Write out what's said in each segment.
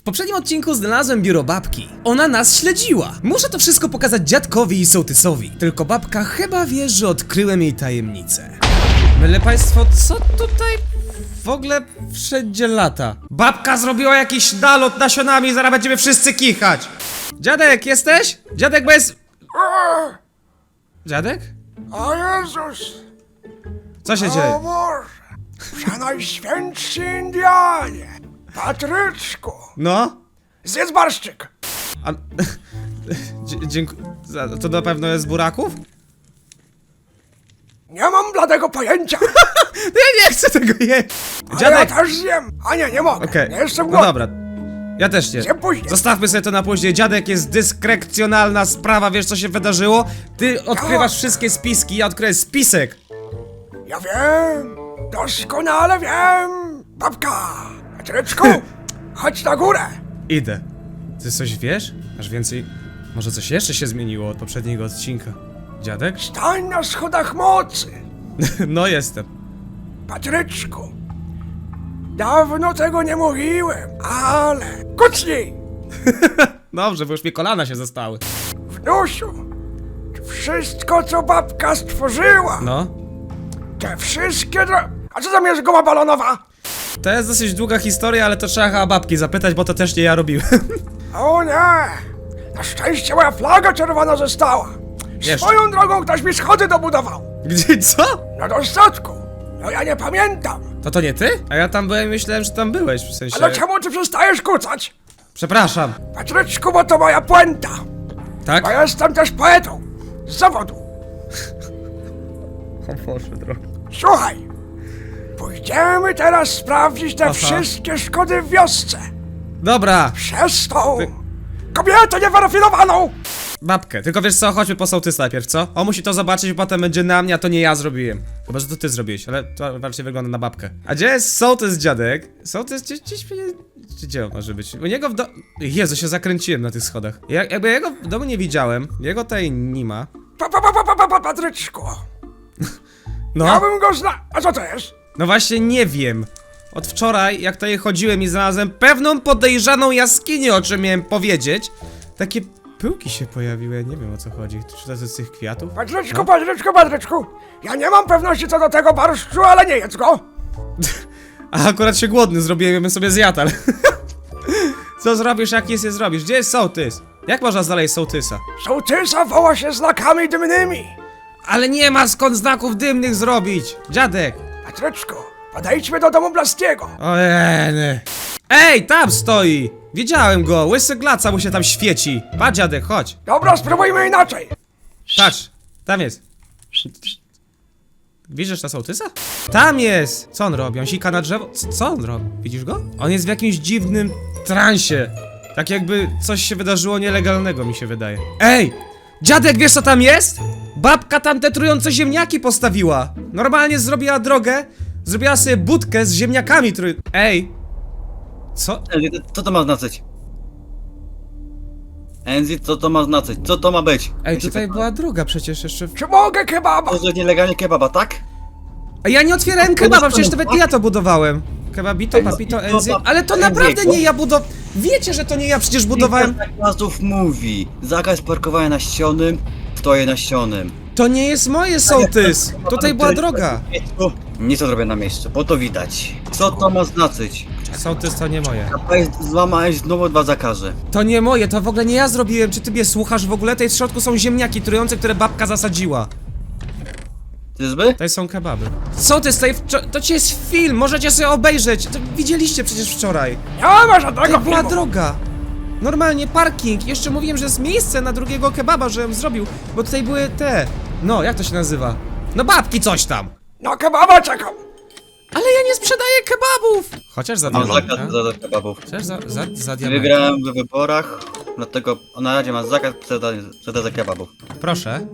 poprzednim odcinku znalazłem biuro babki. Ona nas śledziła. Muszę to wszystko pokazać dziadkowi i sołtysowi. Tylko babka chyba wie, że odkryłem jej tajemnicę. Myle państwo, co tutaj w ogóle wszędzie lata? Babka zrobiła jakiś nalot nasionami, zaraz będziemy wszyscy kichać. Dziadek, jesteś? Dziadek, bo jest... Dziadek? O Jezus! Co się O dzieje? Boże! Przenajświętszy Indianie! Patryczku! No? Zjedz barszczyk! A... Dziękuję. To na pewno jest z buraków? Nie mam bladego pojęcia! Ja nie chcę tego jeść! Ale Dziadek! ja też zjem! A nie mogę! Okej, Nie jestem no głodny! dobra. Ja też nie. Zjem później. Zostawmy sobie to na później. Dziadek, jest dyskrecjonalna sprawa, wiesz co się wydarzyło? Ty odkrywasz wszystkie spiski, ja odkryję spisek. Ja wiem! Doskonale wiem! Babka! Patryczku! Chodź na górę! Idę. Ty coś wiesz? Masz więcej... Może coś jeszcze się zmieniło od poprzedniego odcinka? Dziadek? Stań na schodach mocy! No jestem. Patryczku! Dawno tego nie mówiłem, ale... Kucnij! Dobrze, bo już mi kolana się zostały. Wnusiu! Wszystko, co babka stworzyła! No. Te wszystkie A co tam jest guma balonowa? To jest dosyć długa historia, ale to trzeba chyba babki zapytać, bo to też nie ja robiłem. O nie! Na szczęście moja flaga czerwona została! Jeszcze. Swoją drogą ktoś mi schody dobudował! Gdzie, co? Na dostatku! No ja nie pamiętam! To nie ty? A ja tam byłem i myślałem, że tam byłeś, w sensie... Ale czemu ty przestajesz kucać? Przepraszam. Patryczku, bo to moja puenta! Tak? Bo jestem też poetą! Z zawodu! Słuchaj! Pójdziemy teraz sprawdzić te wszystkie szkody w wiosce! Dobra. Przez tą... kobietę niewyrafinowaną! Babkę, tylko wiesz co, chodźmy po sołtys najpierw, co? On musi to zobaczyć, potem będzie na mnie, a to nie ja zrobiłem. Chyba, że to ty zrobiłeś, ale to raczej wygląda na babkę. A gdzie jest sołtys, dziadek? Sołtys gdzieś mnie... Gdzie on może być? U niego w Jezu, się zakręciłem na tych schodach. Jakby jego w domu nie widziałem, jego tutaj nie ma. Patryczku! No, Ja bym go A co to jest? no właśnie nie wiem. Od wczoraj, jak tutaj chodziłem i znalazłem pewną podejrzaną jaskinię, o czym miałem powiedzieć. Takie pyłki się pojawiły, ja nie wiem o co chodzi. Czy to jest z tych kwiatów? Patryczku, Patryczku! Ja nie mam pewności co do tego barszczu, ale nie jedz go! A akurat się głodny zrobiłem, ja bym sobie zjadł, ale... Co zrobisz, jak nic nie zrobisz? Gdzie jest sołtys? Jak można znaleźć sołtysa? Sołtysa woła się znakami dymnymi! Ale nie ma skąd znaków dymnych zrobić! Dziadek! Patryczku, podejdźmy do domu Blastiego! Ojej! Ej, tam stoi! Widziałem go, łysy glaca mu się tam świeci. Patrz, dziadek, chodź. Dobra, spróbujmy inaczej! Patrz, tam jest. Widzisz na sołtysa? Tam jest! Co on robi? On sika na drzewo? Co on robi? Widzisz go? On jest w jakimś dziwnym transie. Tak jakby coś się wydarzyło nielegalnego, mi się wydaje. Ej! Dziadek, wiesz co tam jest? Babka tam te trujące ziemniaki postawiła. Normalnie zrobiła drogę, zrobiła sobie budkę z ziemniakami Ej! Co? Co to ma znaczyć? Enzi, co to ma znaczyć? Co to ma być? Ej, tutaj była droga przecież jeszcze... Czy mogę kebaba? To jest nielegalnie kebaba, tak? A ja nie otwierałem kebaba, przecież nawet nie ja to budowałem. Kebabito, papito, enzy... Ale to naprawdę nie ja Wiecie, że to nie ja przecież budowałem... Zakazów mówi. Zakaz parkowania na ścianym, stoję na ścianym. To nie jest moje, sołtys! Tutaj była droga. Nic to zrobię na miejscu, bo to widać. Co to ma znaczyć? Sołtys to nie moje. Złamałeś znowu dwa zakazy. To nie moje, to w ogóle nie ja zrobiłem. Czy ty mnie słuchasz w ogóle? Tutaj w środku są ziemniaki trujące, które babka zasadziła. Czyżby? Tutaj są kebaby. Sołtys, to ci jest film, możecie sobie obejrzeć. To widzieliście przecież wczoraj. Nie ma żadnego Tutaj była filmu. droga. Normalnie parking. Jeszcze mówiłem, że jest miejsce na drugiego kebaba, żebym zrobił. Bo tutaj były te... No, jak to się nazywa? No babki coś tam. Na kebaba czekam! Ale ja nie sprzedaję kebabów! Chociaż za Mam diament, zakaz za kebabów. Chociaż za diament. Wygrałem w wyborach, dlatego na razie mam zakaz sprzedaży kebabów. Proszę.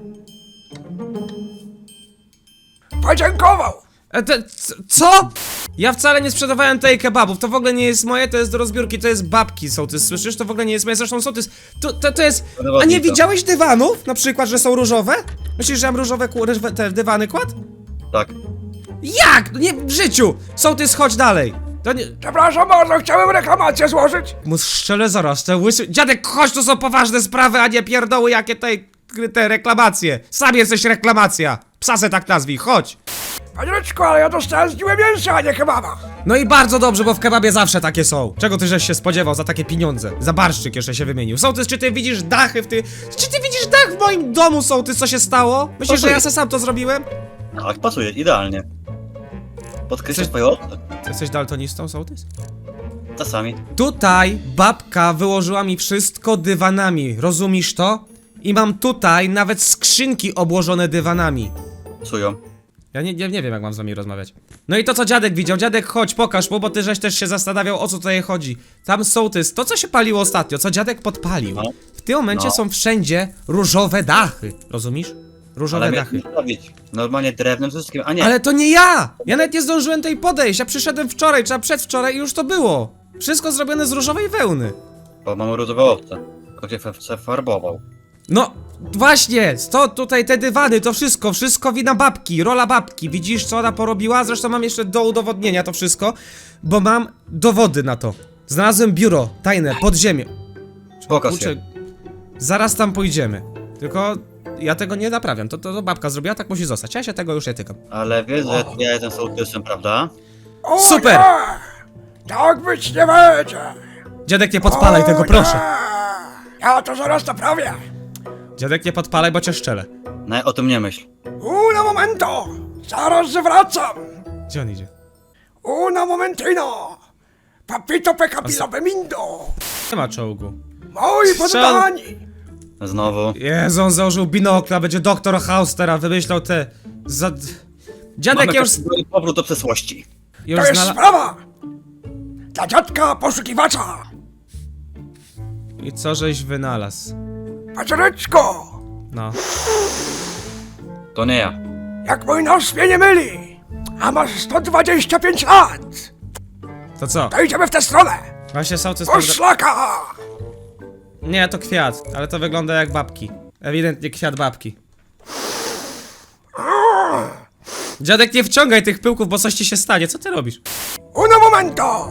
Podziękował! Co? Ja wcale nie sprzedawałem tej kebabów, to w ogóle nie jest moje, to jest do rozbiórki, to jest babki, sołtys, słyszysz? To w ogóle nie jest moje, zresztą sołtys, to jest... A nie widziałeś dywanów? Na przykład, że są różowe? Myślisz, że ja mam różowe te dywany kładł? Tak. Jak? Nie, w życiu! Sołtys, chodź dalej! To nie... Przepraszam bardzo, chciałem reklamację złożyć. Mu szczele zaraz, te łysy... Dziadek, chodź, to są poważne sprawy, a nie pierdoły jakie te reklamacje. Sam jesteś reklamacja. Psa se tak nazwij, chodź. Panie Ryczku, ale ja dostałem z niłe mięsa, a nie kebaba. No i bardzo dobrze, bo w kebabie zawsze takie są. Czego ty żeś się spodziewał za takie pieniądze? Za barszczyk jeszcze się wymienił. Sołtys, czy ty widzisz dachy w ty... Czy ty widzisz dach w moim domu, sołtys, co się stało? Myślisz, że ja se sam to zrobiłem? Tak, pasuje, idealnie. Podkreślasz swoje oczy. Ty jesteś daltonistą, sołtys? Czasami. Tutaj babka wyłożyła mi wszystko dywanami, rozumiesz to? I mam tutaj nawet skrzynki obłożone dywanami. Psują. Ja nie wiem, jak mam z wami rozmawiać. No i to, co dziadek widział. Dziadek, chodź, pokaż mu, bo ty żeś też się zastanawiał, o co tutaj chodzi. Tam sołtys, to co się paliło ostatnio, co dziadek podpalił. No. W tym momencie No. są wszędzie różowe dachy, rozumiesz? Różowe Ale dachy. miałeś zrobić. Normalnie drewnem wszystkim, a nie. Ale to nie ja! Ja nawet nie zdążyłem tutaj podejść, ja przyszedłem wczoraj, czy przedwczoraj i już to było. Wszystko zrobione z różowej wełny. Bo mam różowe owce. Tylko się farbował. No, właśnie, to tutaj te dywany, to wszystko wina babki, rola babki. Widzisz, co ona porobiła? Zresztą mam jeszcze do udowodnienia to wszystko, bo mam dowody na to. Znalazłem biuro tajne pod ziemią. Pokaż Kurczę, się. zaraz tam pójdziemy. Tylko ja tego nie naprawiam, to babka zrobiła, tak musi zostać. Ja się tego już nie tykam. Ale wiesz, że ja jestem sołtysem, prawda? O, Super! Nie. Tak być nie będzie. Dziadek, nie podpalaj O, tego, nie. proszę. Ja to zaraz naprawię. Dziadek, nie podpalaj, bo cię szczelę. No, o tym nie myśl. Una momento. Zaraz zwracam. Gdzie on idzie? Una momentino. Papito pecapilo bemindo. Nie ma czołgu. Moi Strzał. poddani. Znowu. Jezu, on założył binokla, będzie doktor House teraz, wymyślał te... Dziadek, Mamy ja już... powrót do przeszłości. Już To jest znalazł... sprawa. Dla dziadka poszukiwacza. I co żeś wynalazł? Paczereczko. No. To nie ja. Jak mój nos mnie nie myli. A masz 125 lat. To co? To idziemy w tę stronę. Właśnie sołtys... Poszlaka. Nie, to kwiat, ale to wygląda jak babki. Ewidentnie kwiat babki. Dziadek, nie wciągaj tych pyłków, bo coś ci się stanie. Co ty robisz? Una momento.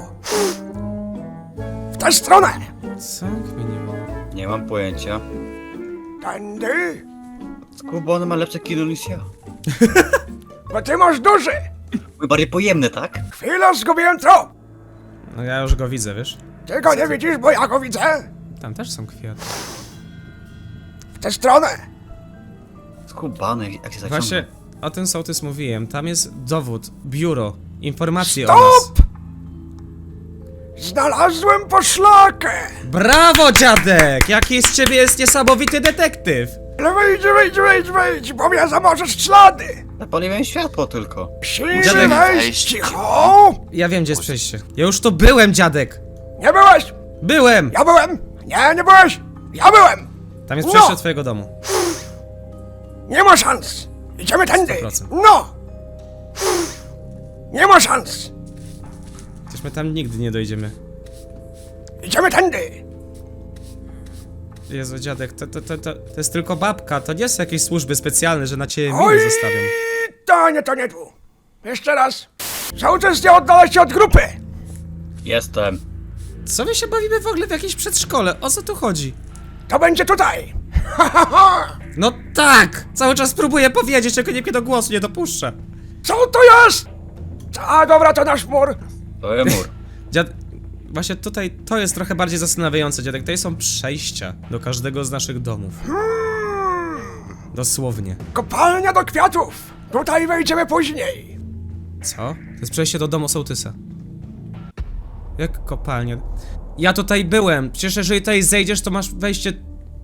W tę stronę. Co? Kminiło. Nie mam pojęcia. Tędy. Skuba, on ma lepsze kino niż ja. Bo ty masz duży. Mój bardziej pojemny, tak? Chwilę zgubiłem trop. No ja już go widzę, wiesz? Ty go nie widzisz, bo ja go widzę. Tam też są kwiaty. W tę stronę. Skubany, jak się zaciąga. Właśnie o tym sołtys mówiłem. Tam jest dowód, biuro, informacje o Stop! nas. Znalazłem poszlakę. Brawo, dziadek! Jaki z ciebie jest niesamowity detektyw! Ale wejdź, bo mnie zamożesz ślady. Zapaliłem światło tylko. Silny Dziadek, wejść, cicho. Ja wiem, gdzie jest przejście. Ja już tu byłem, dziadek! Nie byłeś. Byłem! Ja byłem. Nie byłeś. Ja byłem. Tam jest No. przejście do twojego domu. Nie ma szans. Idziemy tędy. 100%. No. Nie ma szans. Przecież my tam nigdy nie dojdziemy. Idziemy tędy. Jezu, dziadek, to jest tylko babka, to nie są jakieś służby specjalne, że na ciebie Oj, miny zostawią. to nie tu. Jeszcze raz. Sołtys nie oddala się od grupy. Jestem. Co my się bawimy w ogóle w jakimś przedszkole? O co tu chodzi? To będzie tutaj. No tak! Cały czas próbuję powiedzieć, czego nikt mnie do głosu nie dopuszcza. Co to jest? A dobra, to nasz mur. To jest mur. Dziad... Właśnie tutaj to jest trochę bardziej zastanawiające, dziadek. Tutaj są przejścia do każdego z naszych domów. Dosłownie. Kopalnia do kwiatów. Tutaj wejdziemy później. Co? To jest przejście do domu sołtysa. Jak kopalnia? Ja tutaj byłem. Przecież jeżeli tutaj zejdziesz, to masz wejście...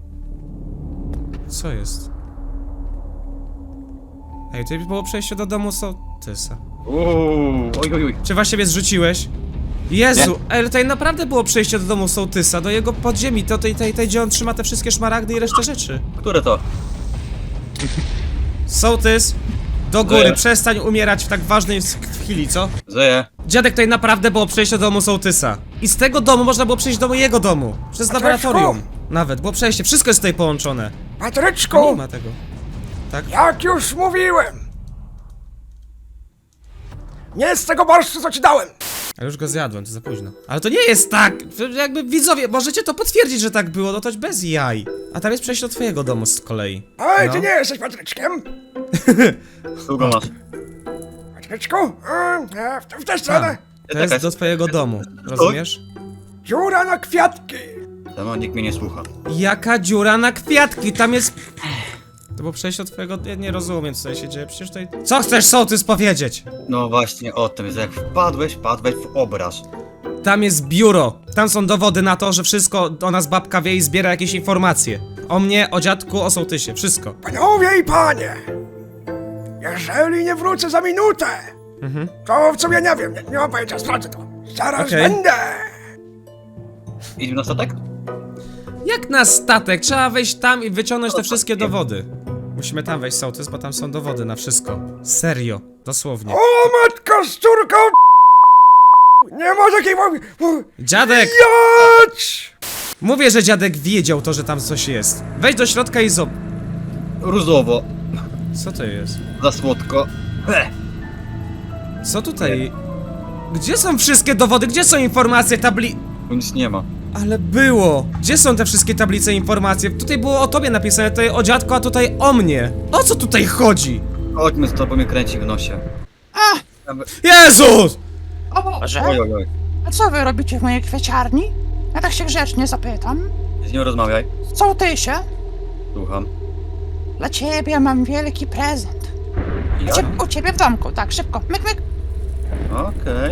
Co jest? Ej, tutaj było przejście do domu sołtysa. Oj. Czy właśnie mnie zrzuciłeś? Jezu, ale tutaj naprawdę było przejście do domu sołtysa, do jego podziemi, to tej, gdzie on trzyma te wszystkie szmaragdy i resztę rzeczy. Które to? Sołtys, do góry, Żyję. przestań umierać w tak ważnej chwili, co? Żyję. Dziadek, tutaj naprawdę było przejście do domu sołtysa. I z tego domu można było przejść do mojego domu. Przez Patryczku! laboratorium. Nawet, było przejście, wszystko jest tutaj połączone. Nie Patryczku, ma tego. Tak? jak już mówiłem. Nie z tego barszczu, co ci dałem. A już go zjadłem, to za późno. Ale to nie jest tak! Jakby widzowie, możecie to potwierdzić, że tak było, no to bez jaj. A tam jest przejście do twojego domu z kolei. Oj, No. ty nie jesteś Patryczkiem? Długo masz. Patryczku? W tę stronę. To jest do twojego domu, rozumiesz? Dziura na kwiatki. Tam nikt mnie nie słucha. Jaka dziura na kwiatki, tam jest... To było przejście do twojego... Ja nie rozumiem, co tutaj się dzieje, przecież tutaj... Co chcesz sołtys powiedzieć? No właśnie o tym, że jak wpadłeś w obraz. Tam jest biuro, tam są dowody na to, że wszystko o nas babka wie i zbiera jakieś informacje. O mnie, o dziadku, o sołtysie, wszystko. Panowie i panie. Jeżeli nie wrócę za minutę, to w sumie nie wiem, nie mam pojęcia, sprawdzę to. Zaraz Okej. będę. Idziemy na statek? Jak na statek, trzeba wejść tam i wyciągnąć te wszystkie dowody. Musimy tam wejść, sołtys, bo tam są dowody na wszystko. Serio, dosłownie. O matko z córką. Nie ma takiej mowy. Dziadek! Jać! Mówię, że dziadek wiedział to, że tam coś jest. Wejdź do środka i zob... Różowo. Co to jest? Za słodko. Co tutaj... Gdzie są wszystkie dowody? Gdzie są informacje, Tu nic nie ma. Ale było! Gdzie są te wszystkie tablice informacje? Tutaj było o tobie napisane, tutaj o dziadku, a tutaj o mnie! O co tutaj chodzi? Chodźmy z tobą, mnie kręci w nosie. Jezus! O Boże, Oj, oj, oj. a co wy robicie w mojej kwieciarni? Ja tak się grzecznie zapytam. Z nią rozmawiaj. Co ty się? Słucham. Dla ciebie mam wielki prezent. Ja? U ciebie w domku, tak, szybko, myk, myk. Okej.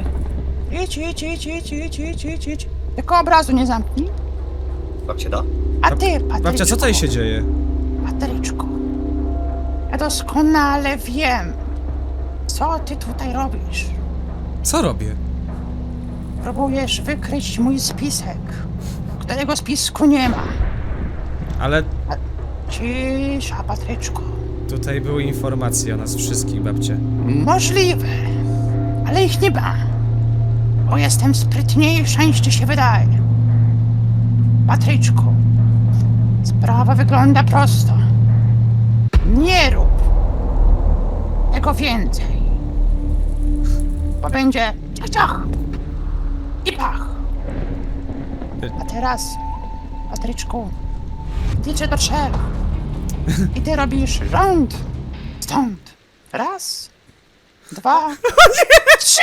Idź. Tylko obrazu nie zamknij. Babcie da? A ty, Patryczku. Babcia, co tutaj się dzieje? Patryczku. Ja doskonale wiem, co ty tutaj robisz. Co robię? Próbujesz wykryć mój spisek, którego spisku nie ma. Ale Cisza, Patryczku. tutaj były informacje o nas wszystkich, babcie. Możliwe, ale ich nie ma. Bo jestem sprytniejsza niż ci się wydaje. Patryczku, sprawa wygląda prosto. Nie rób tego więcej. Bo będzie ciach i pach. A teraz, Patryczku, liczę do 3. I ty robisz rząd stąd. 1, 2, 3.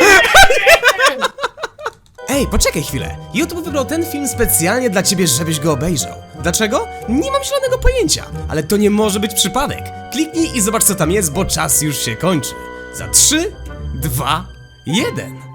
Ej, poczekaj chwilę. YouTube wybrał ten film specjalnie dla ciebie, żebyś go obejrzał. Dlaczego? Nie mam zielonego pojęcia, ale to nie może być przypadek. Kliknij i zobacz, co tam jest, bo czas już się kończy. Za 3, 2, 1.